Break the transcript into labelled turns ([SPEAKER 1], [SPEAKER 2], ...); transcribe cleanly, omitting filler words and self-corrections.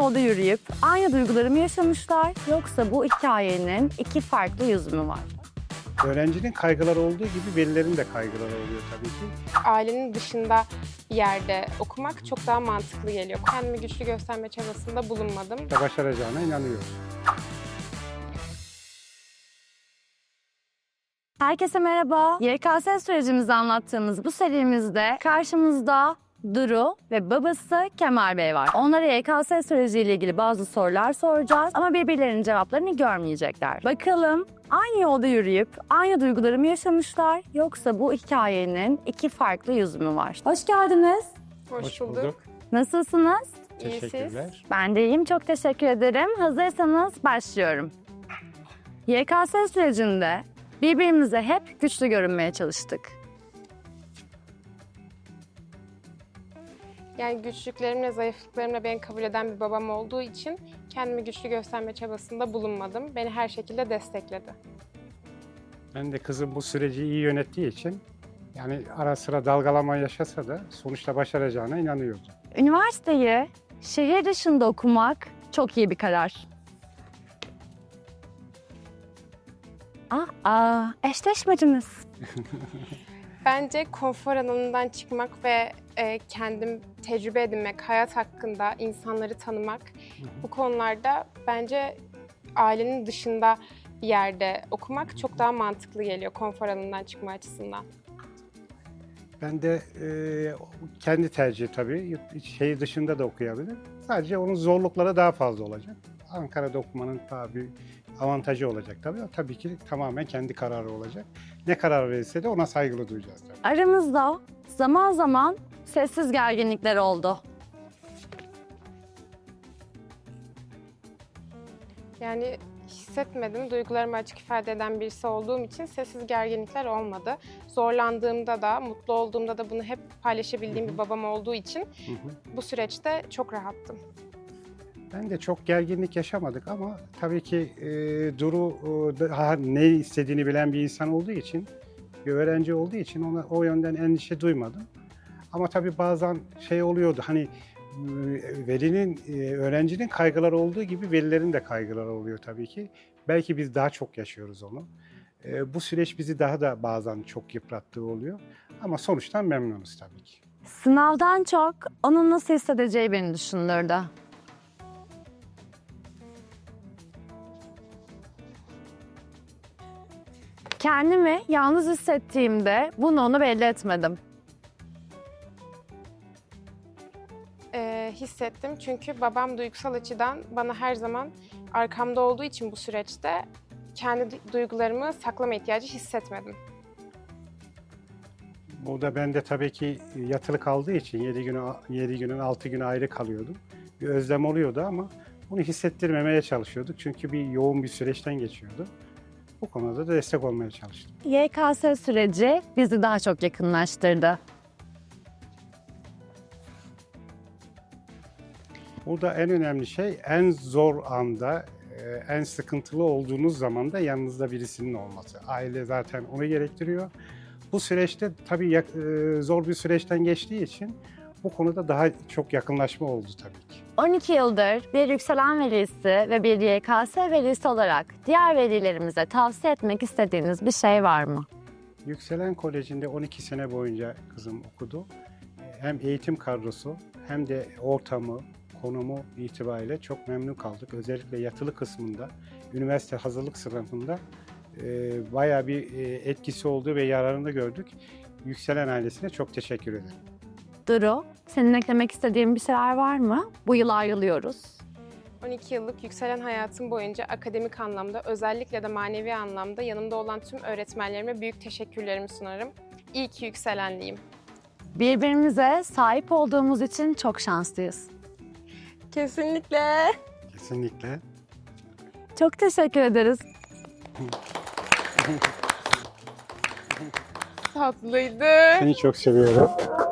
[SPEAKER 1] yolda yürüyüp aynı duyguları mı yaşamışlar yoksa bu hikayenin iki farklı yüzü mü var?
[SPEAKER 2] Öğrencinin kaygıları olduğu gibi velilerin de kaygıları oluyor tabii ki.
[SPEAKER 3] Ailenin dışında bir yerde okumak çok daha mantıklı geliyor. Kendimi güçlü gösterme çabasında bulunmadım.
[SPEAKER 2] Başaracağına inanıyoruz.
[SPEAKER 1] Herkese merhaba. YKS sürecimizi anlattığımız bu serimizde karşımızda Duru ve babası Kemal Bey var. Onlara YKS süreciyle ilgili bazı sorular soracağız ama birbirlerinin cevaplarını görmeyecekler. Bakalım aynı yolda yürüyüp aynı duyguları mı yaşamışlar yoksa bu hikayenin iki farklı yüzü mü var? Hoş geldiniz.
[SPEAKER 3] Hoş bulduk.
[SPEAKER 1] Nasılsınız?
[SPEAKER 3] İyi siz?
[SPEAKER 2] Teşekkürler.
[SPEAKER 1] Ben de iyiyim. Çok teşekkür ederim. Hazırsanız başlıyorum. YKS sürecinde birbirimize hep güçlü görünmeye çalıştık.
[SPEAKER 3] Yani güçlüklerimle, zayıflıklarımla beni kabul eden bir babam olduğu için kendimi güçlü gösterme çabasında bulunmadım. Beni her şekilde destekledi.
[SPEAKER 2] Ben de kızım bu süreci iyi yönettiği için yani ara sıra dalgalama yaşasa da sonuçta başaracağına inanıyordum.
[SPEAKER 1] Üniversiteyi şehir dışında okumak çok iyi bir karar. Eşleşmediniz.
[SPEAKER 3] Bence konfor alanından çıkmak ve kendim tecrübe edinmek, hayat hakkında insanları tanımak bu konularda bence ailenin dışında bir yerde okumak çok daha mantıklı geliyor konfor alanından çıkma açısından.
[SPEAKER 2] Ben de kendi tercihi tabii şehir dışında da okuyabilir. Sadece onun zorlukları daha fazla olacak. Ankara'da okumanın daha bir avantajı olacak tabii. O tabii ki tamamen kendi kararı olacak. Ne karar verirse de ona saygılı duyacağız tabii.
[SPEAKER 1] Aramızda zaman zaman sessiz gerginlikler oldu.
[SPEAKER 3] Yani hissetmedim. Duygularımı açık ifade eden birisi olduğum için sessiz gerginlikler olmadı. Zorlandığımda da, mutlu olduğumda da bunu hep paylaşabildiğim bir babam olduğu için bu süreçte çok rahattım.
[SPEAKER 2] Ben de çok gerginlik yaşamadık ama tabii ki Duru daha ne istediğini bilen bir insan olduğu için, bir öğrenci olduğu için ona o yönden endişe duymadım. Ama tabii bazen şey oluyordu hani öğrencinin kaygıları olduğu gibi velilerin de kaygıları oluyor tabii ki. Belki biz daha çok yaşıyoruz onu. Bu süreç bizi daha da bazen çok yıprattığı oluyor. Ama sonuçtan memnunuz tabii ki.
[SPEAKER 1] Sınavdan çok onun nasıl hissedeceği beni düşündürdü. Kendimi yalnız hissettiğimde bunu ona belli etmedim.
[SPEAKER 3] Hissettim çünkü babam duygusal açıdan bana her zaman arkamda olduğu için bu süreçte kendi duygularımı saklama ihtiyacı hissetmedim.
[SPEAKER 2] Bu da ben de tabii ki yatılı kaldığı için 7 günün 6 günü ayrı kalıyordum. Bir özlem oluyordu ama bunu hissettirmemeye çalışıyorduk. Çünkü yoğun bir süreçten geçiyordu. Bu konuda da destek olmaya çalıştım.
[SPEAKER 1] YKS süreci bizi daha çok yakınlaştırdı.
[SPEAKER 2] Burada en önemli şey en zor anda, en sıkıntılı olduğunuz zaman da yanınızda birisinin olması. Aile zaten onu gerektiriyor. Bu süreçte tabii zor bir süreçten geçtiği için bu konuda daha çok yakınlaşma oldu tabii ki.
[SPEAKER 1] 12 yıldır bir yükselen velisi ve bir YKS velisi olarak diğer velilerimize tavsiye etmek istediğiniz bir şey var mı?
[SPEAKER 2] Yükselen Koleji'nde 12 sene boyunca kızım okudu. Hem eğitim kadrosu hem de ortamı, konumu itibariyle çok memnun kaldık. Özellikle yatılı kısmında, üniversite hazırlık sınıfında bayağı bir etkisi oldu ve yararını gördük. Yükselen ailesine çok teşekkür ederim.
[SPEAKER 1] Duru, senin eklemek istediğin bir şeyler var mı? Bu yıl ayrılıyoruz.
[SPEAKER 3] 12 yıllık yükselen hayatım boyunca akademik anlamda, özellikle de manevi anlamda yanımda olan tüm öğretmenlerime büyük teşekkürlerimi sunarım. İyi ki yükselenliyim.
[SPEAKER 1] Birbirimize sahip olduğumuz için çok şanslıyız.
[SPEAKER 3] Kesinlikle.
[SPEAKER 2] Kesinlikle.
[SPEAKER 1] Çok teşekkür ederiz.
[SPEAKER 3] Tatlıydı.
[SPEAKER 2] Seni çok seviyorum.